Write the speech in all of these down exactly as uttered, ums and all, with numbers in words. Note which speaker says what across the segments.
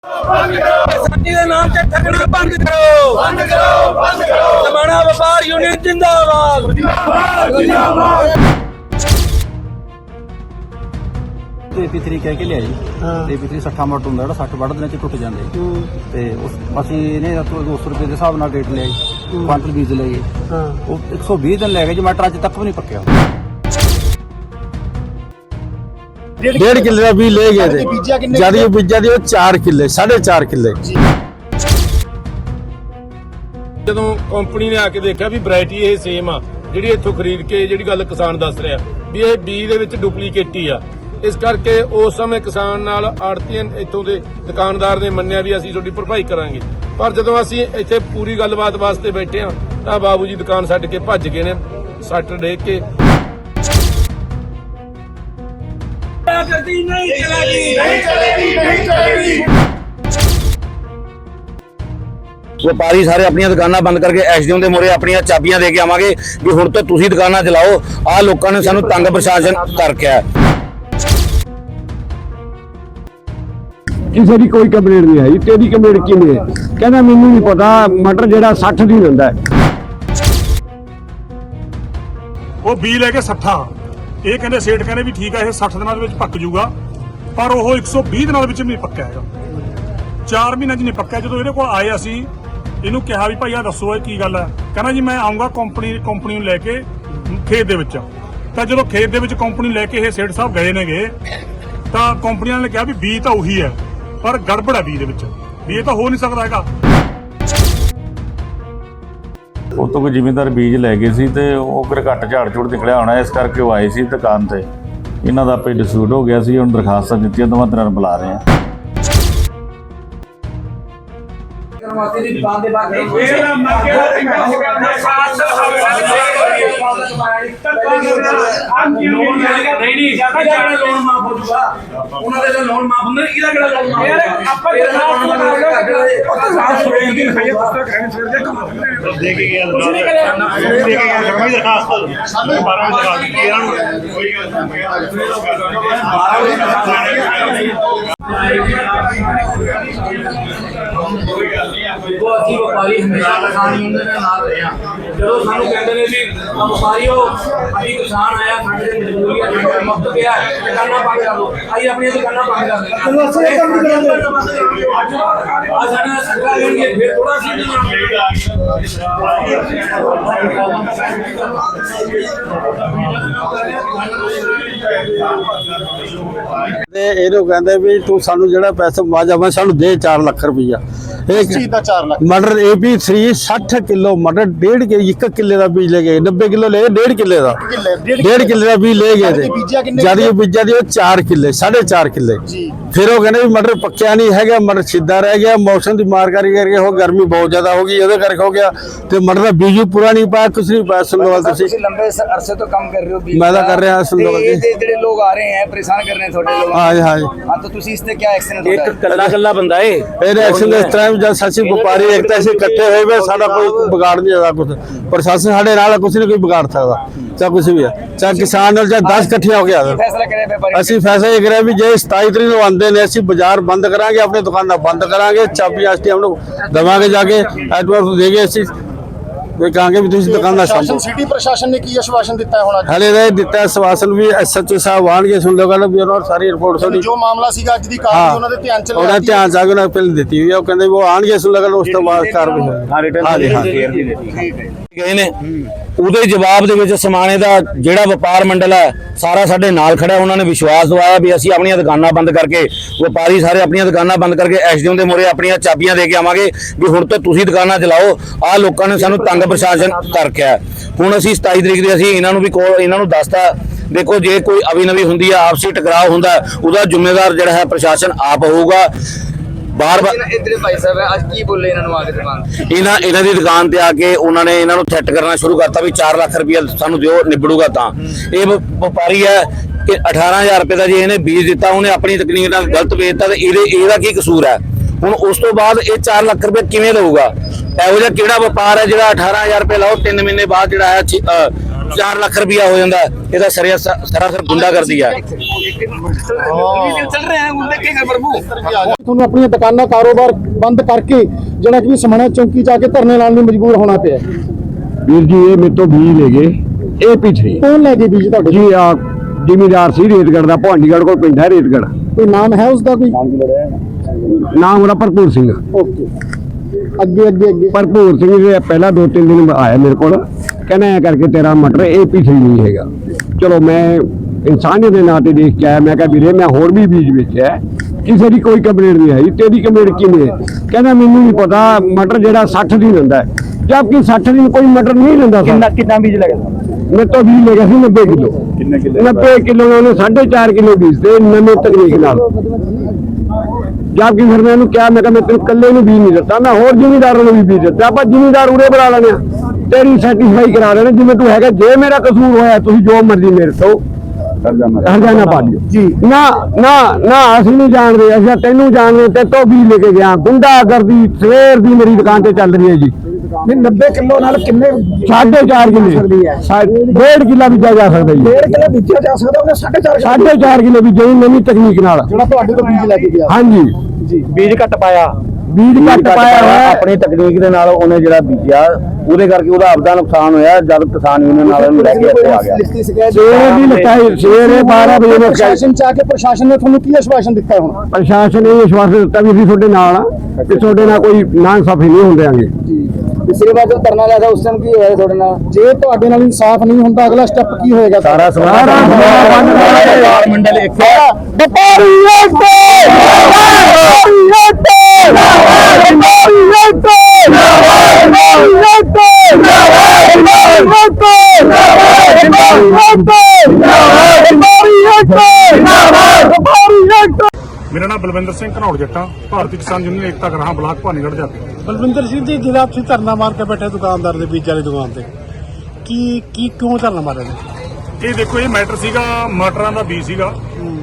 Speaker 1: ਵਿਸਾਖੀ ਦੇ ਨਾਮ ਤੇ ਠੱਗਣਾ ਬੰਦ ਕਰੋ, ਬੰਦ ਕਰੋ, ਬੰਦ ਕਰੋ। ਲਮਾਣਾ ਵਪਾਰ ਯੂਨੀਅਨ ਜਿੰਦਾਬਾਦ, ਜਿੰਦਾਬਾਦ, ਜਿੰਦਾਬਾਦ।
Speaker 2: ਏਪੀ ਥ੍ਰੀ ਕਹਿ ਕੇ ਲਿਆ ਜੀ। ਏਪੀ ਥ੍ਰੀ ਸੱਠਾ ਮੱਟ ਹੁੰਦਾ ਜਿਹੜਾ ਸੱਠ ਵੱਢ ਦਿਨਾਂ ਚ ਟੁੱਟ ਜਾਂਦੇ ਤੇ ਉਸ ਅਸੀਂ ਇਹਨੇ ਦੋ ਸੌ ਰੁਪਏ ਦੇ ਹਿਸਾਬ ਨਾਲ ਰੇਟ ਲਿਆ ਜੀ। ਕੁਆਂਟਲ ਬੀਜ ਲਏ ਜੀ। ਉਹ ਇੱਕ ਸੌ ਵੀਹ ਦਿਨ ਲੈ ਗਏ ਜੀ। ਮਟਰ ਅੱਜ ਤੱਕ ਵੀ ਨਹੀਂ ਪੱਕਿਆ।
Speaker 3: डेढ़ किले का बीज ले गए थे। ज्यादा बीजा दी चार किले साढ़े चार किले।
Speaker 4: ਜਦੋਂ ਕੰਪਨੀ ਨੇ ਆ ਕੇ ਦੇਖਿਆ ਵੀ ਵੈਰਾਈਟੀ ਇਹ ਸੇਮ ਆ ਜਿਹੜੀ ਇੱਥੋਂ ਖਰੀਦ ਕੇ ਜਿਹੜੀ ਗੱਲ ਕਿਸਾਨ ਦੱਸ ਰਿਹਾ ਵੀ ਇਹ ਬੀਜ ਦੇ ਵਿੱਚ ਡੁਪਲੀਕੇਟ ਹੀ ਆ, ਇਸ ਕਰਕੇ ਉਸ ਸਮੇਂ ਕਿਸਾਨ ਨਾਲ ਆੜਤੀਆਂ ਇੱਥੋਂ ਦੇ ਦੁਕਾਨਦਾਰ ਨੇ ਮੰਨਿਆ ਵੀ ਅਸੀਂ ਤੁਹਾਡੀ ਭਰਪਾਈ ਕਰਾਂਗੇ। ਪਰ ਜਦੋਂ ਅਸੀਂ ਇੱਥੇ ਪੂਰੀ ਗੱਲਬਾਤ ਵਾਸਤੇ ਬੈਠੇ ਆ ਤਾਂ ਬਾਬੂ ਜੀ ਦੁਕਾਨ ਛੱਡ ਕੇ ਭੱਜ ਗਏ ਨੇ ਸੱਟ ਡੇਕ ਕੇ।
Speaker 1: नहीं चलेगी, नहीं चलेगी, नहीं चलेगी।
Speaker 5: ਵਪਾਰੀ ਸਾਰੇ ਆਪਣੀਆਂ ਦੁਕਾਨਾਂ ਬੰਦ ਕਰਕੇ ਐਸਡੀਓ ਦੇ ਮੂਹਰੇ ਆਪਣੀਆਂ ਚਾਬੀਆਂ ਦੇ ਕੇ ਆਵਾਂਗੇ ਵੀ ਹੁਣ ਤੋਂ ਤੁਸੀਂ ਦੁਕਾਨਾਂ ਚਲਾਓ। ਆਹ ਲੋਕਾਂ ਨੇ ਸਾਨੂੰ ਤੰਗ ਪ੍ਰਸ਼ਾਸਨ ਕਰਕੇ ਆ।
Speaker 3: ਕਿਸੇ ਦੀ ਕੋਈ ਕੰਪਲੇਂਟ ਨਹੀਂ ਆਈ। ਤੇਰੀ ਕੰਪਲੇਂਟ ਕਿਵੇਂ ਹੈ? ਕਹਿੰਦਾ ਮੈਨੂੰ ਨਹੀਂ ਪਤਾ ਮਟਰ ਜਿਹੜਾ ਸੱਠ ਦੀ ਹੁੰਦਾ ਹੈ।
Speaker 6: ਉਹ ਬੀ ਲੈ ਕੇ ਸੱਠਾ ਇਹ ਕਹਿੰਦੇ ਸੇਠ ਕਹਿੰਦੇ ਵੀ ਠੀਕ ਆ ਇਹ ਸੱਠ ਦਿਨਾਂ ਦੇ ਵਿੱਚ ਪੱਕ ਜੂਗਾ, ਪਰ ਉਹ ਇੱਕ ਸੌ ਵੀਹ ਦਿਨਾਂ ਦੇ ਵਿੱਚ ਵੀ ਨਹੀਂ ਪੱਕਿਆ ਹੈਗਾ। ਚਾਰ ਮਹੀਨਿਆਂ 'ਚ ਨਹੀਂ ਪੱਕਿਆ। ਜਦੋਂ ਇਹਦੇ ਕੋਲ ਆਏ ਅਸੀਂ ਇਹਨੂੰ ਕਿਹਾ ਵੀ ਭਾਈ ਆ ਦੱਸੋ ਇਹ ਕੀ ਗੱਲ ਹੈ। ਕਹਿੰਦਾ ਜੀ ਮੈਂ ਆਉਂਗਾ ਕੰਪਨੀ ਕੰਪਨੀ ਨੂੰ ਲੈ ਕੇ ਖੇਤ ਦੇ ਵਿੱਚ। ਤਾਂ ਜਦੋਂ ਖੇਤ ਦੇ ਵਿੱਚ ਕੰਪਨੀ ਲੈ ਕੇ ਇਹ ਸੇਠ ਸਾਹਿਬ ਗਏ ਨੇਗੇ ਤਾਂ ਕੰਪਨੀ ਵਾਲਿਆਂ ਨੇ ਕਿਹਾ ਵੀ ਬੀ ਤਾਂ ਉਹੀ ਹੈ ਪਰ ਗੜਬੜ ਹੈ ਬੀ ਦੇ ਵਿੱਚ, ਵੀ ਇਹ ਤਾਂ ਹੋ ਨਹੀਂ ਸਕਦਾ ਹੈਗਾ।
Speaker 7: ਉਹ ਤੋਂ ਕੋਈ ਜ਼ਿਮੀਂਦਾਰ ਬੀਜ ਲੈ ਗਏ ਸੀ ਤੇ ਉਹ ਫਿਰ ਘੱਟ ਝਾੜ ਝੂੜ ਨਿਕਲਿਆ ਹੋਣਾ, ਇਸ ਕਰਕੇ ਉਹ ਆਏ ਸੀ ਦੁਕਾਨ ਤੇ। ਇਹਨਾਂ ਦਾ ਆਪੇ ਡਿਸਪਿਊਟ ਹੋ ਗਿਆ ਸੀ। ਹੁਣ ਦਰਖਾਸਤਾਂ ਦਿੱਤੀਆਂ, ਦੋਵਾਂ ਤਰ੍ਹਾਂ ਨੂੰ ਬੁਲਾ ਰਹੇ ਆ।
Speaker 1: ਦੀ ਦੁਕਾਨ ਦੇ ਬਾਹਰ ਨਹੀਂ ਨਹੀਂ ਜਿਆਦਾ ਜਿਹੜਾ ਲੋਨ ਮਾਫ ਹੋ ਜੂਗਾ ਉਹਨਾਂ ਦੇ ਲੋਨ ਮਾਫ ਹੁੰਦੇ ਇਹਦਾ ਕਿਹੜਾ ਲੋਨ ਮਾਫ ਯਾਰ ਆਪਾਂ ਦਰਖਾਸਤ ਹੋਏਗੀ ਕਿ ਭਈਆ ਪੁੱਤਰ ਕਹਿਣ ਫਿਰ ਦੇ ਕੰਮ ਦੇ ਕੇ ਗਿਆ ਕੁਝ ਨਹੀਂ ਕਰਿਆ ਦੇ ਕੇ ਗਿਆ ਕੋਈ ਦਰਖਾਸਤ ਸਾਨੂੰ ਬਾਰਾਂ ਵਜੇ ਦੀ ਇਹਨਾਂ ਨੂੰ ਕੋਈ ਗੱਲ ਨਹੀਂ। ਉਹ ਅਸੀਂ ਵਪਾਰੀ ਹਮੇਸ਼ਾ ਕਿਸਾਨ ਯੂਨੀਅਨ ਦੇ ਨਾਲ ਰਹੇ ਹਾਂ। ਜਦੋਂ ਸਾਨੂੰ ਕਹਿੰਦੇ ਨੇ ਵੀ ਵਪਾਰੀਓ ਅਸੀਂ ਕਿਸਾਨ ਆਇਆ ਸਾਡੇ ਦੇ ਮਜਬੂਰੀ ਹੈ ਮੁਕਤ ਗਿਆ ਦੁਕਾਨਾਂ ਬੰਦ ਕਰ ਲਓ, ਅਸੀਂ ਆਪਣੀਆਂ ਦੁਕਾਨਾਂ ਬੰਦ ਕਰ ਦਿੰਦੇ ਹਾਂ। ਅਸੀਂ ਇਹ ਕੰਮ ਨਹੀਂ ਕਰਾਂਗੇ। ਆ ਸਾਡਾ ਸਰਕਾਰ ਦੇਣਗੇ ਫਿਰ ਥੋੜਾ ਸੀ
Speaker 3: ਤੇ ਇਹਨੂੰ ਕਹਿੰਦੇ ਵੀ ਤੂੰ ਸਾਨੂੰ ਜਿਹੜਾ ਪੈਸਾ ਮੁਆਵਜ਼ਾ ਮੈਂ ਸਾਨੂੰ ਦੇ ਚਾਰ ਲੱਖ ਰੁਪਈਆ। ਇਹ ਚੀਜ਼ ਦਾ ਚਾਰ ਲੱਖ ਮਟਰ ਏਪੀ ਥ੍ਰੀ ਸੱਠ ਕਿਲੋ ਮਟਰ ਡੇਢ ਕੇ ਇੱਕ ਕਿੱਲੇ ਦਾ ਬੀਜ ਲੈ ਗਏ। ਨੱਬੇ ਕਿਲੋ ਲੈ ਡੇਢ ਕਿੱਲੇ ਦਾ ਡੇਢ ਕਿੱਲੇ ਦਾ ਬੀਜ ਲੈ ਗਏ ਤੇ ਜਿਆਦਾ ਬੀਜਾ ਦੀ ਉਹ ਚਾਰ ਕਿੱਲੇ ਸਾਢੇ ਚਾਰ ਕਿੱਲੇ। ਫਿਰ ਉਹ ਕਹਿੰਦੇ ਵੀ ਮਟਰ ਪੱਕਿਆ ਨਹੀਂ ਹੈਗਾ, ਮਟਰ ਸਿੱਧਾ ਰਹਿ ਗਿਆ। ਮੌਸਮ ਦੀ ਮਾਰ ਕਰਕੇ ਹੋ ਗਰਮੀ ਬਹੁਤ ਜ਼ਿਆਦਾ ਹੋ ਗਈ, ਉਹਦੇ ਕਰਕੇ ਹੋ ਗਿਆ ਤੇ ਮਟਰ ਦਾ ਬੀਜ ਪੂਰਾ ਨਹੀਂ ਪਾਇਆ, ਕੁਛ ਨਹੀਂ ਪਾਇਆ। ਸੁਣੋਵਾਲ ਤੁਸੀਂ
Speaker 1: ਲੰਬੇ ਅਰਸੇ ਤੋਂ ਕੰਮ ਕਰ ਰਹੇ ਹੋ,
Speaker 3: ਮੈਂ ਤਾਂ ਕਰ ਰਿਹਾ ਸੁਣੋਵਾਲ ਜੀ।
Speaker 1: ਜਿਹੜੇ ਲੋਕ ਆ ਰਹੇ ਹੈ ਪਰੇਸ਼ਾਨ ਕਰ ਰਹੇ ਨੇ ਤੁਹਾਡੇ ਲੋਕ।
Speaker 3: ਹਾਂ ਜੀ ਹਾਂ ਜੀ
Speaker 1: ਹਾਂ ਤਾਂ ਤੁਸੀਂ ਇਸ ਤੇ ਕੀ ਐਕਸ਼ਨ ਹੈ?
Speaker 5: ਇੱਕ ਕੱਲਾ ਕੱਲਾ ਬੰਦਾ ਏ
Speaker 3: ਇਹਦੇ ਐਕਸ਼ਨ ਇਸ ਤਰ੍ਹਾਂ ਜਦ ਸਾਸੀ ਵਪਾਰੀ ਇੱਕ ਅਸੀਂ ਇਕੱਠੇ ਹੋਏ ਵੇ ਸਾਡਾ ਕੋਈ ਵਿਗਾੜ ਨਹੀਂ ਆਦਾ ਕੁਝ। ਪ੍ਰਸ਼ਾਸਨ ਸਾਡੇ ਨਾਲ ਕੁਛ ਨਹੀਂ ਕੋਈ ਵਿਗਾੜ ਸਕਦਾ, ਚਾਹੇ ਕੁਛ ਵੀ ਹੈ, ਚਾਹੇ ਕਿਸਾਨ ਨਾਲ ਚਾਹੇ ਦਸ ਇਕੱਠੇ ਹੋ ਗਿਆ।
Speaker 1: ਫੈਸਲਾ ਕਰਿਆ ਵਪਾਰੀ
Speaker 3: ਅਸੀਂ ਫੈਸਲਾ ਇਹ ਕਰਿਆ ਵੀ ਜੇ ਸਤਾਈ ਤਰੀਕ ਨੂੰ ਆਉਂਦੇ ਨੇ ਅਸੀਂ ਬਾਜ਼ਾਰ ਬੰਦ ਕਰਾਂਗੇ, ਆਪਣੀ ਦੁਕਾਨਾਂ ਬੰਦ ਕਰਾਂਗੇ, ਚਾਬੀ ਆਸਤੇ हम लोग ਦਵਾਂਗੇ ਜਾ ਕੇ ਐਡਵਾਂਸ ਦੇ ਕੇ ਅਸੀਂ ਵੀ ਕਹਾਂਗੇ ਵੀ ਤੁਸੀਂ ਦੁਕਾਨਾਂ ਸੰਭੋ।
Speaker 8: ਸਿਟੀ ਪ੍ਰਸ਼ਾਸਨ ਨੇ ਕੀ ਆਸ਼ਵਾਸਨ ਦਿੱਤਾ ਹੈ ਹੁਣ?
Speaker 3: ਹਲੇ ਦਾ ਦਿੱਤਾ ਆਸ਼ਵਾਸਨ ਵੀ ਐਸਐਚਓ ਸਾਹਿਬ ਆਣਗੇ ਸੁਣ ਲਓ ਗੱਲ ਵੀ ਉਹਨਾਂ ਸਾਰੀ ਰਿਪੋਰਟ ਤੁਹਾਡੀ
Speaker 8: ਜੋ ਮਾਮਲਾ ਸੀਗਾ ਅੱਜ ਦੀ ਕਾਰਵਾਈ ਉਹਨਾਂ ਦੇ ਧਿਆਨ ਚ
Speaker 3: ਉਹਨਾਂ ਧਿਆਨ ਜਾ ਕੇ ਉਹਨਾਂ ਪਹਿਲ ਦਿੱਤੀ ਹੋਈ ਆ। ਉਹ ਕਹਿੰਦੇ ਉਹ ਆਣਗੇ ਸੁਣ ਲਓ ਗੱਲ ਉਸ ਤੋਂ ਬਾਅਦ ਕਾਰਵਾਈ ਹੋਏਗੀ।
Speaker 5: ਹਾਂ ਰਿਟਰਨ
Speaker 3: ਹਾਂਜੀ ਹਾਂ
Speaker 5: ਗਏ ਨੇ। ਉਹਦੇ ਜਵਾਬ ਦੇ ਵਿੱਚ ਸਮਾਣੇ ਦਾ ਜਿਹੜਾ ਵਪਾਰ ਮੰਡਲ ਹੈ ਸਾਰਾ ਸਾਡੇ ਨਾਲ ਖੜਾ। ਉਹਨਾਂ ਨੇ ਵਿਸ਼ਵਾਸ ਦਵਾਇਆ ਵੀ ਅਸੀਂ ਆਪਣੀਆਂ ਦੁਕਾਨਾਂ ਬੰਦ ਕਰਕੇ ਵਪਾਰੀ ਸਾਰੇ ਆਪਣੀਆਂ ਦੁਕਾਨਾਂ ਬੰਦ ਕਰਕੇ ਐਸਡੀਓ ਦੇ ਮੂਹਰੇ ਆਪਣੀਆਂ ਚਾਬੀਆਂ ਦੇ ਕੇ ਆਵਾਂਗੇ ਵੀ ਹੁਣ ਤੋਂ ਤੁਸੀਂ ਦੁਕਾਨਾਂ ਚਲਾਓ। ਆਹ ਲੋਕਾਂ ਨੇ ਸਾਨੂੰ ਤੰਗ ਪ੍ਰਸ਼ਾਸਨ ਕਰਕੇ ਆ। ਹੁਣ ਅਸੀਂ ਸਤਾਈ ਤਰੀਕ ਦੇ ਅਸੀਂ ਇਹਨਾਂ ਨੂੰ ਵੀ ਕੋਲ ਇਹਨਾਂ ਨੂੰ ਦੱਸਤਾ ਦੇਖੋ ਜੇ ਕੋਈ ਅਵੀ ਨਵੀ ਹੁੰਦੀ ਹੈ ਆਪਸੀ ਟਕਰਾਅ ਹੁੰਦਾ ਉਹਦਾ ਜ਼ਿੰਮੇਵਾਰ ਜਿਹੜਾ ਹੈ ਪ੍ਰਸ਼ਾਸਨ ਆਪ ਹੋਊਗਾ। ਬਾਰ ਬਾਰ
Speaker 1: ਇਧਰੇ ਭਾਈ ਸਾਹਿਬ ਅੱਜ ਕੀ ਬੋਲੇ ਇਹਨਾਂ ਨੂੰ ਆ ਕੇ ਦੁਕਾਨ
Speaker 5: ਇਹਨਾਂ ਇਹਨਾਂ ਦੀ ਦੁਕਾਨ ਤੇ ਆ ਕੇ ਉਹਨਾਂ ਨੇ ਇਹਨਾਂ ਨੂੰ ਥ੍ਰੈਟ ਕਰਨਾ ਸ਼ੁਰੂ ਕਰਤਾ ਵੀ ਚਾਰ ਲੱਖ ਰੁਪਇਆ ਸਾਨੂੰ ਦਿਓ ਨਿਬੜੂਗਾ। ਤਾਂ ਇਹ ਵਪਾਰੀ ਹੈ ਕਿ ਅਠਾਰਾਂ ਹਜ਼ਾਰ ਰੁਪਏ ਦਾ ਜੇ ਇਹਨੇ ਬੀਜ ਦਿੱਤਾ, ਉਹਨੇ ਆਪਣੀ ਤਕਨੀਕ ਨਾਲ ਗਲਤ ਵੇਚਤਾ ਤੇ ਇਹਦੇ ਇਹਦਾ ਕੀ ਕਸੂਰ ਹੈ? ਹੁਣ ਉਸ ਤੋਂ ਬਾਅਦ ਇਹ ਚਾਰ ਲੱਖ ਰੁਪਏ ਕਿਵੇਂ ਲਊਗਾ? ਇਹੋ ਜਿਹਾ ਕਿਹੜਾ ਵਪਾਰ ਹੈ ਜਿਹੜਾ ਅਠਾਰਾਂ ਹਜ਼ਾਰ ਰੁਪਏ ਲਾਓ ਤਿੰਨ ਮਹੀਨੇ ਬਾਅਦ ਜਿਹੜਾ ਹੈ ਚਾਰ ਲੱਖ ਰੁਪਇਆ ਹੋ ਜਾਂਦਾ। ਇਹਦਾ ਸਰਿਆ ਸਰਾਸਰ ਗੁੰਡਾਗਰਦੀ ਹੈ।
Speaker 8: ਤੁਹਾਨੂੰ ਆਪਣੀਆਂ ਦੁਕਾਨਾਂ ਕਾਰੋਬਾਰ ਬੰਦ ਕਰਕੇ ਜਿਹੜਾ ਕਿ ਸਮਾਣਾ ਚੌਂਕੀ ਜਾ ਕੇ ਧਰਨੇ ਲਾਉਣ ਨੂੰ ਮਜਬੂਰ ਹੋਣਾ ਪਿਆ।
Speaker 3: ਵੀਰ ਜੀ ਇਹ ਮੇਰੇ ਤੋਂ ਬੀਜ ਲੈ ਗਏ ਏ ਪੀ ਥ੍ਰੀ।
Speaker 8: ਕੌਣ ਲੈ ਕੇ ਬੀਜ ਤੁਹਾਡੇ?
Speaker 3: ਜੀ ਆ ਜ਼ਿਮੀਦਾਰ ਸੀ ਰੇਤਗੜ੍ਹ ਦਾ, ਭਵਾਨੀਗੜ੍ਹ ਕੋਲ ਪਿੰਡ ਹੈ ਰੇਤਗੜ੍ਹ।
Speaker 8: ਕੋਈ ਨਾਮ ਹੈ ਉਸਦਾ? ਕੋਈ
Speaker 3: ਨਾਮ ਉਹਦਾ ਭਰਪੂਰ ਸਿੰਘ।
Speaker 8: ਓਕੇ, ਅੱਗੇ ਅੱਗੇ ਅੱਗੇ
Speaker 3: ਭਰਪੂਰ ਸਿੰਘ ਜੀ ਪਹਿਲਾਂ ਦੋ ਤਿੰਨ ਦਿਨ ਆਇਆ ਮੇਰੇ ਕੋਲ, ਕਹਿੰਦਾ ਐ ਕਰਕੇ ਤੇਰਾ ਮਟਰ ਏ ਪੀ ਥ੍ਰੀ ਨਹੀਂ ਹੈਗਾ। ਚਲੋ ਮੈਂ ਇਨਸਾਨੀਅਤ ਦੇ ਨਾਂ ਤੇ ਦੇਖ ਕੇ ਆਇਆ। ਮੈਂ ਕਿਹਾ ਵੀਰੇ ਮੈਂ ਹੋਰ ਵੀ ਬੀਜ ਵੇਚਿਆ, ਕਿਸੇ ਦੀ ਕੋਈ ਕੰਪਲੇਂਟ ਨਹੀਂ ਆਈ, ਤੇਰੀ ਕੰਪਲੇਂਟ ਕਿਵੇਂ ਹੈ? ਕਹਿੰਦਾ ਮੈਨੂੰ ਨਹੀਂ ਪਤਾ, ਮਟਰ ਜਿਹੜਾ ਸੱਠ ਦਿਨ ਹੁੰਦਾ ਹੈ, ਜਦਕਿ ਸੱਠ ਦਿਨ ਕੋਈ ਮਟਰ ਨਹੀਂ ਲੈਂਦਾ। ਕਿੰਨਾ ਕਿੰਨਾ ਬੀਜ ਲੱਗਦਾ? ਮੇਰੇ ਤੋਂ ਬੀਜ ਲੈ ਗਿਆ ਸੀ ਨੱਬੇ ਕਿਲੋ। ਕਿੰਨੇ ਕਿਲੋ? ਨੱਬੇ ਕਿਲੋ ਨਾਲ ਉਹਨੇ ਸਾਢੇ ਚਾਰ ਕਿਲੋ ਬੀਜ ਤੇ ਨਵੀਂ ਤਕਨੀਕ ਨਾਲ। ਜਦਕਿ ਫਿਰ ਮੈਂ ਉਹਨੂੰ ਕਿਹਾ, ਮੈਂ ਕਿਹਾ ਮੈਂ ਤੈਨੂੰ ਇਕੱਲੇ ਨੂੰ ਬੀਜ ਨਹੀਂ ਦਿੱਤਾ, ਮੈਂ ਹੋਰ ਜ਼ਿਮੀਦਾਰਾਂ ਨੂੰ ਵੀ ਬੀਜ ਦਿੱਤਾ। ਆਪਾਂ ਜ਼ਿਮੀਦਾਰ ਉਰੇ ਬਣਾ ਲੈਣੇ ਆ, ਤੇਰੀ ਸੈਟੀਸਫਾਈ ਕਰਾ ਲੈਣੇ ਜਿਵੇਂ ਤੂੰ ਹੈਗਾ। ਜੇ ਮੇਰਾ ਕਸੂਰ ਹੋਇਆ ਤੁਸੀਂ ਜੋ ਮਰਜ਼ੀ ਮੇਰੇ ਤੋਂ ਹਰਜਾਨਾ ਪਾ ਦਿਓ ਜੀ। ਨਾ ਨਾ ਨਾ ਅਸੀਂ ਨਹੀਂ ਜਾਣਦੇ, ਅਸੀਂ ਤੈਨੂੰ ਜਾਣਦੇ, ਤੇ ਤੋਂ ਵੀ ਲੈ ਕੇ ਗਿਆ। ਗੁੰਡਾਗਰਦੀ ਸਵੇਰ ਦੀ ਮੇਰੀ ਦੁਕਾਨ ਤੇ ਚੱਲ ਰਹੀ ਹੈ ਜੀ।
Speaker 8: ਨੱਬੇ ਕਿਲੋ ਨਾਲ ਕਿੰਨੇ?
Speaker 3: ਸਾਢੇ ਚਾਰ ਕਿਲੋ, ਡੇਢ ਕਿੱਲਾ ਬੀਜਿਆ ਜਾ ਸਕਦਾ ਜੀ।
Speaker 8: ਡੇਢ ਕਿਲੋ ਬੀਜਿਆ ਜਾ ਸਕਦਾ ਉਹਨੇ? ਸਾਢੇ ਚਾਰ
Speaker 3: ਸਾਢੇ ਚਾਰ ਕਿਲੋ ਬੀਜਿਆ ਜੀ ਨਵੀਂ ਤਕਨੀਕ ਨਾਲ,
Speaker 8: ਜਿਹੜਾ ਤੁਹਾਡੇ ਤੋਂ ਬੀਜ ਲੈ ਕੇ ਗਿਆ।
Speaker 3: ਹਾਂਜੀ
Speaker 8: ਜੀ,
Speaker 5: ਬੀਜ ਘੱਟ ਪਾਇਆ,
Speaker 3: ਬੀਜ ਘੱਟ ਪਾਇਆ ਹੋਇਆ
Speaker 5: ਆਪਣੀ ਤਕਨੀਕ ਦੇ ਨਾਲ ਉਹਨੇ ਜਿਹੜਾ ਬੀਜਿਆ, ਉਹਦੇ ਕਰਕੇ ਉਹਦਾ ਆਪਦਾ ਨੁਕਸਾਨ ਹੋਇਆ। ਜਦ ਕਿਸਾਨ ਯੂਨੀਅਨ ਨਾਲ ਉਹਨੂੰ ਲੈ ਕੇ ਇੱਥੇ ਆ ਗਿਆ।
Speaker 3: ਸਵੇਰੇ ਵੀ ਲਿਖਾਈ, ਸਵੇਰੇ ਬਾਰਾਂ ਵਜੇ ਨੂੰ
Speaker 8: ਪ੍ਰਸ਼ਾਸਨ ਚ ਆ ਕੇ ਪ੍ਰਸ਼ਾਸਨ ਨੇ ਤੁਹਾਨੂੰ ਕੀ ਆਸ਼ਵਾਸਨ ਦਿੱਤਾ? ਹੁਣ
Speaker 3: ਪ੍ਰਸ਼ਾਸਨ ਨੇ ਇਹ ਵਿਸ਼ਵਾਸ ਦਿੱਤਾ ਵੀ ਅਸੀਂ ਤੁਹਾਡੇ ਨਾਲ ਆ ਤੇ ਤੁਹਾਡੇ ਨਾਲ ਕੋਈ ਨਾਇਨਸਾਫੀ ਨਹੀਂ ਹੁੰਦੇ ਆਂਗੇ।
Speaker 8: ਪਿਛਲੀ ਵਾਰ ਜਦੋਂ ਧਰਨਾ ਲਾਇਆ ਉਸ ਟਾਈਮ ਕੀ ਹੋਇਆ ਤੁਹਾਡੇ ਨਾਲ? ਜੇ ਤੁਹਾਡੇ ਨਾਲ ਇਨਸਾਫ ਨਹੀਂ ਹੁੰਦਾ ਅਗਲਾ ਸਟੈਪ ਕੀ ਹੋਏਗਾ?
Speaker 5: ਸਾਰਾ ਸਮਾਜ ਮੰਡਲ ਇੱਕ
Speaker 6: ਮੇਰਾ ਨਾਮ ਬਲਵਿੰਦਰ ਸਿੰਘ ਘਨੌੜ ਜੱਟਾਂ, ਭਾਰਤੀ ਕਿਸਾਨ ਯੂਨੀਅਨ ਏਕਤਾ ਗਰਾਹਾਂ ਬਲਾਕ ਭਵਾਨੀਗੜ੍ਹ ਜਾ।
Speaker 9: ਬਲਵਿੰਦਰ ਸਿੰਘ ਜੀ, ਜਿਹੜਾ ਤੁਸੀਂ ਧਰਨਾ ਮਾਰ ਕੇ ਬੈਠੇ ਦੁਕਾਨਦਾਰ ਦੇ ਬੀਜ ਵਾਲੀ ਦੁਕਾਨ ਤੇ, ਕੀ ਕੀ ਕਿਉਂ ਧਰਨਾ ਮਾਰਿਆ ਜੀ?
Speaker 6: ਇਹ ਦੇਖੋ, ਇਹ ਮੈਟਰ ਸੀਗਾ ਮਟਰਾਂ ਦਾ ਬੀਜ ਸੀਗਾ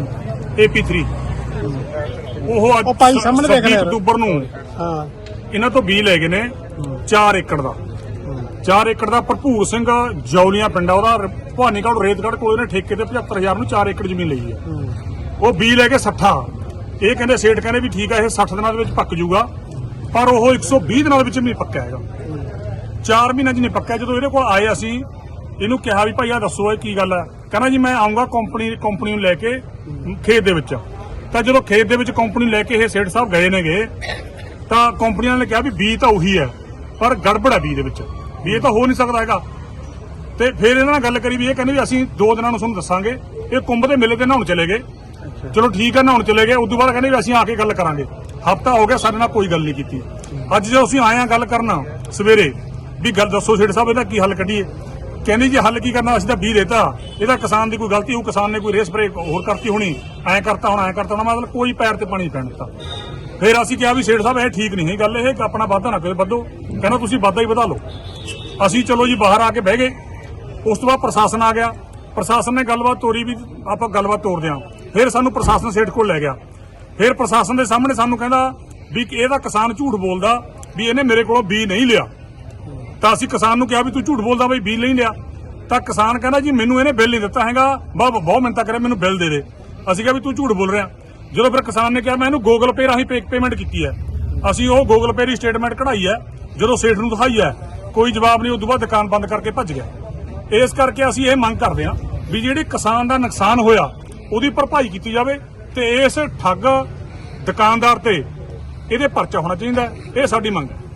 Speaker 6: ਏ ਪੀ ਥ੍ਰੀ। ਉਹ ਅੱਜ
Speaker 9: ਉਹ ਭਾਈ ਸਾਹਮਣੇ ਦੇਖ ਰਿਹਾ।
Speaker 6: ਅਕਤੂਬਰ ਨੂੰ
Speaker 9: ਹਾਂ,
Speaker 6: ਇਹਨਾਂ ਤੋਂ ਬੀਜ ਲੈ ਗਏ ਨੇ ਚਾਰ ਏਕੜ ਦਾ। ਚਾਰ ਏਕੜ ਦਾ ਭਰਪੂਰ ਸਿੰਘ ਜੌਲੀਆਂ ਪਿੰਡ ਆ ਉਹਦਾ, ਭਵਾਨੀਗੜ੍ਹ ਰੇਤਗੜ੍ਹ ਕੋਲ ਇਹਨੇ ਠੇਕੇ ਤੇ ਪਝੱਤਰ ਹਜ਼ਾਰ ਨੂੰ ਚਾਰ ਏਕੜ ਜ਼ਮੀਨ ਲਈ ਹੈ। ਉਹ ਬੀਜ ਲੈ ਕੇ ਸੱਠਾ, ਇਹ ਕਹਿੰਦੇ ਸੇਠ ਕਹਿੰਦੇ ਵੀ ਠੀਕ ਆ ਇਹ ਸੱਠ ਦਿਨਾਂ ਦੇ ਵਿੱਚ ਪੱਕ ਜੂਗਾ, ਪਰ ਉਹ ਇੱਕ ਸੌ ਵੀਹ ਦਿਨਾਂ ਦੇ ਵਿੱਚ ਵੀ ਨਹੀਂ ਪੱਕਿਆ ਹੈਗਾ। ਚਾਰ ਮਹੀਨਿਆਂ 'ਚ ਨਹੀਂ ਪੱਕਿਆ। ਜਦੋਂ ਇਹਦੇ ਕੋਲ ਆਏ ਅਸੀਂ ਇਹਨੂੰ ਕਿਹਾ ਵੀ ਭਾਈ ਆ ਦੱਸੋ ਇਹ ਕੀ ਗੱਲ ਹੈ? ਕਹਿੰਦਾ ਜੀ ਮੈਂ ਆਉਂਗਾ ਕੰਪਨੀ ਕੰਪਨੀ ਨੂੰ ਲੈ ਕੇ ਖੇਤ ਦੇ ਵਿੱਚ। ਤਾਂ ਜਦੋਂ ਖੇਤ ਦੇ ਵਿੱਚ ਕੰਪਨੀ ਲੈ ਕੇ ਇਹ ਸੇਠ ਸਾਹਿਬ ਗਏ ਨੇਗੇ, ਤਾਂ ਕੰਪਨੀ ਵਾਲਿਆਂ ਨੇ ਕਿਹਾ ਵੀ ਬੀਜ ਤਾਂ ਉਹੀ ਹੈ, ਪਰ ਗੜਬੜ ਹੈ ਬੀਜ ਦੇ ਵਿੱਚ, ਵੀ ਇਹ ਤਾਂ ਹੋ ਨਹੀਂ ਸਕਦਾ ਹੈਗਾ। ਤੇ ਫਿਰ ਇਹਨਾਂ ਨਾਲ ਗੱਲ ਕਰੀ ਵੀ ਇਹ ਕਹਿੰਦੇ ਵੀ ਅਸੀਂ ਦੋ ਦਿਨਾਂ ਨੂੰ ਤੁਹਾਨੂੰ ਦੱਸਾਂਗੇ। ਇਹ ਕੁੰਭ ਦੇ ਮੇਲੇ ਤੇ ਨਹਾਉਣ ਚਲੇ ਗਏ। ਚਲੋ ਠੀਕ ਹੈ, ਨਹਾਉਣ ਚਲੇ ਗਏ। ਉਸ ਤੋਂ ਬਾਅਦ ਕਹਿੰਦੇ ਵੀ ਅਸੀਂ ਆ ਕੇ ਗੱਲ ਕਰਾਂਗੇ। ਹਫ਼ਤਾ ਹੋ ਗਿਆ ਸਾਡੇ ਨਾਲ ਕੋਈ ਗੱਲ ਨਹੀਂ ਕੀਤੀ। ਅੱਜ ਜਦੋਂ ਅਸੀਂ ਆਏ ਆ ਗੱਲ ਕਰਨਾ ਸਵੇਰੇ ਵੀ ਗੱਲ ਦੱਸੋ ਸੇਠ ਸਾਹਿਬ ਇਹਦਾ ਕੀ ਹੱਲ ਕੱਢੀਏ, ਕਹਿੰਦੇ ਜੀ ਹੱਲ ਕੀ ਕਰਨਾ, ਅਸੀਂ ਤਾਂ ਬੀਜ ਦੇਤਾ, ਇਹਦਾ ਕਿਸਾਨ ਦੀ ਕੋਈ ਗਲਤੀ ਹੋਊ, ਕਿਸਾਨ ਨੇ ਕੋਈ ਰੇਸ ਸਪਰੇ ਹੋਰ ਕਰਤੀ ਹੋਣੀ, ਐਂ ਕਰਤਾ ਹੋਣਾ ਐਂ ਕਰਤਾ ਹੋਣਾ, ਮਤਲਬ ਕੋਈ ਪੈਰ ਤੇ ਪਾਣੀ ਪੈਣ ਦਿੱਤਾ। ਫਿਰ ਅਸੀਂ ਕਿਹਾ ਵੀ ਸੇਠ ਸਾਹਿਬ ਇਹ ਠੀਕ ਨਹੀਂ ਹੈ ਗੱਲ, ਇਹ ਆਪਣਾ ਵਾਧਾ ਨਾ ਕਰੇ ਵਧੋ। ਕਹਿੰਦਾ ਤੁਸੀਂ ਵਾਧਾ ਹੀ ਵਧਾ ਲਓ। ਅਸੀਂ ਚਲੋ ਜੀ ਬਾਹਰ ਆ ਕੇ ਬਹਿ ਗਏ। ਉਸ ਤੋਂ ਬਾਅਦ ਪ੍ਰਸ਼ਾਸਨ ਆ ਗਿਆ। ਪ੍ਰਸ਼ਾਸਨ ਨੇ ਗੱਲਬਾਤ ਤੋਰੀ ਵੀ ਆਪਾਂ ਗੱਲਬਾਤ ਤੋਰਦੇ ਹਾਂ। ਫਿਰ ਸਾਨੂੰ ਪ੍ਰਸ਼ਾਸਨ ਸੇਠ ਕੋਲ ਲੈ ਗਿਆ। ਫਿਰ ਪ੍ਰਸ਼ਾਸਨ ਦੇ ਸਾਹਮਣੇ ਸਾਨੂੰ ਕਹਿੰਦਾ ਵੀ ਇਹਦਾ ਕਿਸਾਨ ਝੂਠ ਬੋਲਦਾ ਵੀ ਇਹਨੇ ਮੇਰੇ ਕੋਲੋਂ ਬੀਜ ਨਹੀਂ ਲਿਆ। ਤਾਂ ਅਸੀਂ ਕਿਸਾਨ ਨੂੰ ਕਿਹਾ ਵੀ ਤੂੰ ਝੂਠ ਬੋਲਦਾ ਬਈ ਬੀਜ ਨਹੀਂ ਲਿਆ। ਤਾਂ ਕਿਸਾਨ ਕਹਿੰਦਾ ਜੀ ਮੈਨੂੰ ਇਹਨੇ ਬਿੱਲ ਨਹੀਂ ਦਿੱਤਾ ਹੈਗਾ, ਬਹੁਤ ਬਹੁਤ ਮਿੰਨਤਾਂ ਕਰਿਆ ਮੈਨੂੰ ਬਿੱਲ ਦੇ ਦੇ। ਅਸੀਂ ਕਿਹਾ ਵੀ ਤੂੰ ਝੂਠ ਬੋਲ ਰਿਹਾ। ਜਦੋਂ ਫਿਰ ਕਿਸਾਨ ਨੇ ਕਿਹਾ ਮੈਂ ਇਹਨੂੰ ਗੂਗਲ ਪੇ ਰਾਹੀਂ ਪੇਮੈਂਟ ਕੀਤੀ ਹੈ, ਅਸੀਂ ਉਹ ਗੂਗਲ ਪੇ ਦੀ ਸਟੇਟਮੈਂਟ ਕਢਾਈ ਹੈ। ਜਦੋਂ ਸੇਠ ਨੂੰ ਦਿਖਾਈ ਹੈ ਕੋਈ ਜਵਾਬ ਨਹੀਂ। ਉਸ ਤੋਂ ਬਾਅਦ ਦੁਕਾਨ ਬੰਦ ਕਰਕੇ ਭੱਜ ਗਿਆ। ਇਸ ਕਰਕੇ ਅਸੀਂ ਇਹ ਮੰਗ ਕਰਦੇ ਹਾਂ ਵੀ ਜਿਹੜੇ ਕਿਸਾਨ ਦਾ ਨੁਕਸਾਨ ਹੋਇਆ ਉਹਦੀ ਭਰਪਾਈ ਕੀਤੀ ਜਾਵੇ ਤੇ ਇਸ ਠੱਗ ਦੁਕਾਨਦਾਰ ਤੇ ਇਹਦੇ ਪਰਚਾ ਹੋਣਾ ਚਾਹੀਦਾ। ਇਹ ਸਾਡੀ ਮੰਗ ਹੈ।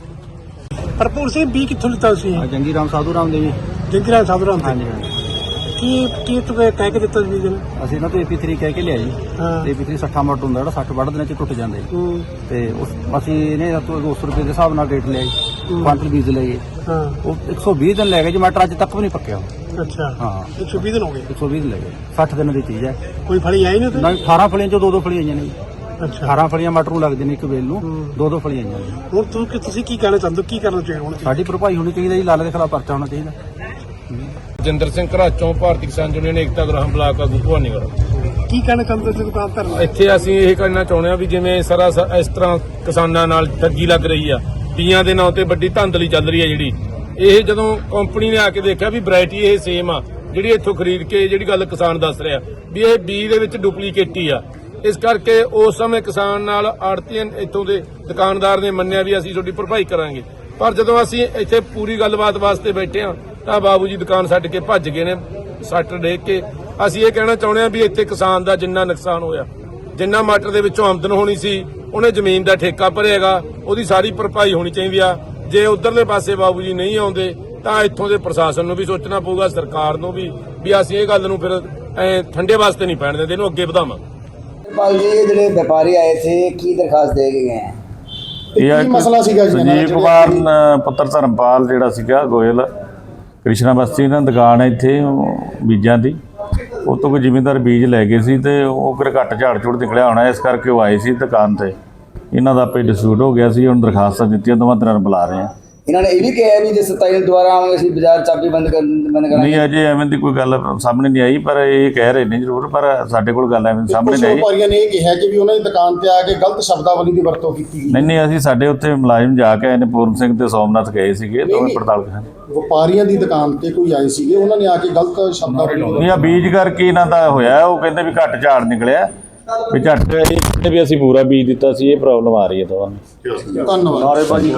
Speaker 9: ਭਰਪੂਰ ਸਿੰਘ ਬੀ ਕਿੱਥੋਂ ਲਿੱਤਾ ਤੁਸੀਂ?
Speaker 2: ਜੰਗੀ ਰਾਮ ਸਾਧੂ ਰਾਮ ਦੇ ਜੀ।
Speaker 9: ਜੰਗੀ ਰਾਮ ਸਾਧੂ ਰਾਮ ਤੇ
Speaker 2: ਹਾਂਜੀ ਹਾਂਜੀ।
Speaker 9: ਕੀ ਕੀ ਤੂੰ ਕਹਿ ਕੇ ਦਿੱਤਾ ਬੀਜ ਨੂੰ?
Speaker 2: ਅਸੀਂ ਇਹਨਾਂ ਤੋਂ ਏ ਪੀ ਥ੍ਰੀ ਕਹਿ ਕੇ ਲਿਆ ਜੀ।
Speaker 9: ਹਾਂ।
Speaker 2: ਏ ਪੀ ਥ੍ਰੀ ਸੱਠਾ ਮਟ ਹੁੰਦਾ ਜਿਹੜਾ ਸੱਠ ਵੱਢ ਦਿਨਾਂ ਚ ਟੁੱਟ ਜਾਂਦਾ ਜੀ।
Speaker 9: ਹੂੰ।
Speaker 2: ਤੇ ਉਸ ਅਸੀਂ ਇਹਨੇ ਤੋਂ ਦੋ ਸੌ ਰੁਪਏ ਦੇ ਹਿਸਾਬ ਨਾਲ ਰੇਟ ਲਿਆ ਜੀ। ਕੁਆਂਟਲ ਬੀਜ ਲਏ।
Speaker 9: ਹਾਂ।
Speaker 2: ਉਹ ਇੱਕ ਸੌ ਵੀਹ ਦਿਨ ਲੈ ਗਏ ਜੀ। ਮਟਰ ਅੱਜ ਤੱਕ ਵੀ ਨਹੀਂ ਪੱਕਿਆ।
Speaker 9: ਅੱਛਾ।
Speaker 2: ਹਾਂ,
Speaker 9: ਇੱਕ ਸੌ ਵੀਹ ਦਿਨ ਹੋ ਗਏ।
Speaker 2: ਇੱਕ ਸੌ ਵੀਹ ਦਿਨ ਲੈ ਗਏ। ਸੱਠ ਦਿਨ ਦੀ ਚੀਜ਼ ਹੈ।
Speaker 9: ਕੋਈ ਫਲੀ ਆਈ ਨਹੀਂ ਤੇ?
Speaker 2: ਨਾ ਅਠਾਰਾਂ ਫਲੀਆਂ ਚੋਂ ਦੋ ਦੋ ਫਲੀਆਂ ਆਈਆਂ ਨੇ ਜੀ।
Speaker 9: ਅੱਛਾ।
Speaker 2: ਅਠਾਰਾਂ ਫਲੀਆਂ ਮਟਰ ਨੂੰ ਲੱਗਦੇ ਨੇ ਇੱਕ ਵੇਲ ਨੂੰ, ਦੋ ਦੋ ਫਲੀਆਂ ਆਈਆਂ ਨੇ।
Speaker 9: ਹੁਣ ਤੂੰ ਕਿ ਤੁਸੀਂ ਕੀ ਕਹਿਣਾ ਚਾਹੁੰਦੇ ਹੋ? ਕੀ ਕਰਨਾ ਚਾਹੀਦਾ ਹੁਣ?
Speaker 2: ਸਾਡੀ ਭਰਪਾਈ ਹੋਣੀ ਚਾਹੀਦੀ ਜੀ। ਲਾਲੇ ਦੇ ਖਿਲਾਫ ਪਰਚਾ ਹੋਣਾ ਚਾਹੀਦਾ।
Speaker 4: ਜਿੰਦਰ ਸਿੰਘ ਘਰਾਚੋਂ, ਭਾਰਤੀ ਕਿਸਾਨ ਯੂਨੀਅਨ ਏਕਤਾ ਗਰਾਹਾਂ ਬਲਾਕ ਆਗੂ ਭਵਾਨੀਗੜ੍ਹ।
Speaker 9: ਕੀ ਕਹਿਣਾ ਚਾਹੁੰਦੇ ਹੋ ਦੁਕਾਨ ਧਰਨਾ?
Speaker 4: ਇੱਥੇ ਅਸੀਂ ਇਹ ਕਹਿਣਾ ਚਾਹੁੰਦੇ ਹਾਂ ਵੀ ਜਿਵੇਂ ਸਾਰਾ ਸ- ਇਸ ਤਰ੍ਹਾਂ ਕਿਸਾਨਾਂ ਨਾਲ ਠੱਗੀ ਲੱਗ ਰਹੀ ਆ, ਬੀਆਂ ਦੇ ਨਾਂ ਤੇ ਵੱਡੀ ਧਾਂਦਲੀ ਚੱਲ ਰਹੀ ਹੈ ਜਿਹੜੀ, ਇਹ ਜਦੋਂ ਕੰਪਨੀ ਨੇ ਆ ਕੇ ਦੇਖਿਆ ਵੀ ਵੈਰਾਈਟੀ ਇਹ ਸੇਮ ਆ ਜਿਹੜੀ ਇੱਥੋਂ ਖਰੀਦ ਕੇ ਜਿਹੜੀ ਗੱਲ ਕਿਸਾਨ ਦੱਸ ਰਿਹਾ ਵੀ ਇਹ ਬੀ ਦੇ ਵਿੱਚ ਡੁਪਲੀਕੇਟ ਹੀ ਆ। ਇਸ ਕਰਕੇ ਉਸ ਸਮੇਂ ਕਿਸਾਨ ਨਾਲ ਆੜਤੀਆਂ ਇੱਥੋਂ ਦੇ ਦੁਕਾਨਦਾਰ ਨੇ ਮੰਨਿਆ ਵੀ ਅਸੀਂ ਤੁਹਾਡੀ ਭਰਪਾਈ ਕਰਾਂਗੇ। ਪਰ ਜਦੋਂ ਅਸੀਂ ਇੱਥੇ ਪੂਰੀ ਗੱਲਬਾਤ ਵਾਸਤੇ ਬੈਠੇ ਹਾਂ ਤਾਂ ਬਾਬੂ ਜੀ ਦੁਕਾਨ ਛੱਡ ਕੇ ਭੱਜ ਗਏ ਨੇ ਸੱਟ ਡੇਕ ਕੇ। ਅਸੀਂ ਇਹ ਕਹਿਣਾ ਚਾਹੁੰਦੇ ਹਾਂ ਵੀ ਇੱਥੇ ਕਿਸਾਨ ਦਾ ਜਿੰਨਾ ਨੁਕਸਾਨ ਹੋਇਆ, ਜਿੰਨਾ ਮਟਰ ਦੇ ਵਿੱਚੋਂ ਆਮਦਨ ਹੋਣੀ ਸੀ, ਉਹਨੇ ਜ਼ਮੀਨ ਦਾ ਠੇਕਾ ਭਰਿਆਗਾ, ਉਹਦੀ ਸਾਰੀ ਭਰਪਾਈ ਹੋਣੀ ਚਾਹੀਦੀ ਆ। ਜੇ ਉਧਰਲੇ ਪਾਸੇ ਬਾਬੂ ਜੀ ਨਹੀਂ ਆਉਂਦੇ ਤਾਂ ਇੱਥੋਂ ਦੇ ਪ੍ਰਸ਼ਾਸਨ ਨੂੰ ਵੀ ਸੋਚਣਾ ਪਊਗਾ, ਸਰਕਾਰ ਨੂੰ ਵੀ, ਵੀ ਅਸੀਂ ਇਹ ਗੱਲ ਨੂੰ ਫਿਰ ਐ ਠੰਡੇ ਵਾਸਤੇ ਨਹੀਂ ਪੈਣ ਦਿੰਦੇ, ਇਹਨੂੰ ਅੱਗੇ ਵਧਾਵਾਂਗੇ।
Speaker 10: पाल जी ਜਿਹੜੇ ਵਪਾਰੀ ਆਏ थे ਕੀ ਦਰਖਾਸਤ ਦੇ ਕੇ ਗਏ हैं?
Speaker 7: ਇਹ
Speaker 8: ਕੀ ਮਸਲਾ ਸੀਗਾ ਜੀ ਇਹਨਾਂ ਦਾ
Speaker 7: ਸੰਜੀਵ
Speaker 8: ਜਿਹੜੇ-
Speaker 7: ਕੁਮਾਰ ਨ- ਪੁੱਤਰ ਧਰਮਪਾਲ ਜਿਹੜਾ ਸੀਗਾ ਗੋਇਲ ਕ੍ਰਿਸ਼ਨਾ ਬਸਤੀ ਇਹਨਾਂ ਦੀ ਦੁਕਾਨ ਹੈ ਇੱਥੇ ਉਹ ਬੀਜਾਂ ਦੀ। ਉਹ ਤੋਂ ਕੋਈ ਜ਼ਿਮੀਂਦਾਰ ਬੀਜ ਲੈ ਗਏ ਸੀ ਤੇ ਉਹ ਫਿਰ ਘੱਟ ਝਾੜ ਝੂੜ ਨਿਕਲਿਆ ਹੋਣਾ, ਇਸ ਕਰਕੇ ਉਹ ਆਏ ਸੀ ਦੁਕਾਨ ਤੇ। ਇਹਨਾਂ ਦਾ ਆਪੇ ਡਿਸਪਿਊਟ ਹੋ ਗਿਆ ਸੀ, ਹੁਣ ਦਰਖਾਸਤਾਂ ਦਿੱਤੀਆਂ, ਦੋਵਾਂ ਤਰ੍ਹਾਂ ਨੂੰ ਬੁਲਾ ਰਹੇ ਆ।
Speaker 10: ਇਹਨਾਂ ਨੇ ਇਹ ਵੀ ਕਿਹਾ ਵੀ ਜੇ ਸਤਾਈ ਨੂੰ ਦੁਬਾਰਾ ਆਵਾਂਗੇ ਅਸੀਂ ਬਾਜ਼ਾਰ ਚਾਬੀ ਬੰਦ ਕਰ ਬੰਦ ਕਰਾਂਗੇ।
Speaker 7: ਨਹੀਂ ਅਜੇ ਐਵੇਂ ਦੀ ਕੋਈ ਗੱਲ ਸਾਹਮਣੇ ਨਹੀਂ ਆਈ, ਪਰ ਇਹ ਕਹਿ ਰਹੇ ਨੇ ਜ਼ਰੂਰ, ਪਰ ਸਾਡੇ ਕੋਲ ਗੱਲ ਐਵੇਂ ਸਾਹਮਣੇ
Speaker 8: ਕੁਝ
Speaker 7: ਨਹੀਂ ਆਈ।
Speaker 8: ਵਪਾਰੀਆਂ ਨੇ ਇਹ ਕਿਹਾ ਕਿ ਵੀ ਉਹਨਾਂ ਦੀ ਦੁਕਾਨ ਤੇ ਆ ਕੇ ਗਲਤ ਸ਼ਬਦਾਵਲੀ ਦੀ ਵਰਤੋਂ ਕੀਤੀ ਗਈ।
Speaker 7: ਨਹੀਂ ਨਹੀਂ ਅਸੀਂ ਸਾਡੇ ਉੱਥੇ ਮੁਲਾਜ਼ਮ ਜਾ ਕੇ ਆਏ ਨੇ, ਪੂਰਨ ਸਿੰਘ ਤੇ ਸੋਮਨਾਥ ਗਏ ਸੀਗੇ, ਦੋਵੇਂ ਪੜਤਾਲ ਕਰਨ।
Speaker 8: ਵਪਾਰੀਆਂ ਦੀ ਦੁਕਾਨ ਤੇ ਕੋਈ ਆਏ ਸੀਗੇ, ਉਹਨਾਂ ਨੇ ਆ ਕੇ ਗਲਤ ਸ਼ਬਦਾਵਲੀ
Speaker 7: ਨਹੀਂ ਆ ਬੀਜ ਕਰਕੇ ਇਹਨਾਂ ਦਾ ਹੋਇਆ, ਉਹ ਕਹਿੰਦੇ ਵੀ ਘੱਟ ਝਾੜ ਨਿਕਲਿਆ, ਵੀ ਝੱਟ ਇਹ ਕਹਿੰਦੇ ਵੀ ਅਸੀਂ ਪੂਰਾ ਬੀਜ ਦਿੱਤਾ ਸੀ, ਇਹ ਪ੍ਰੋਬਲਮ ਆ ਰਹੀ ਹੈ ਤੁਹਾਨੂੰ।
Speaker 8: ਧੰਨਵਾਦ।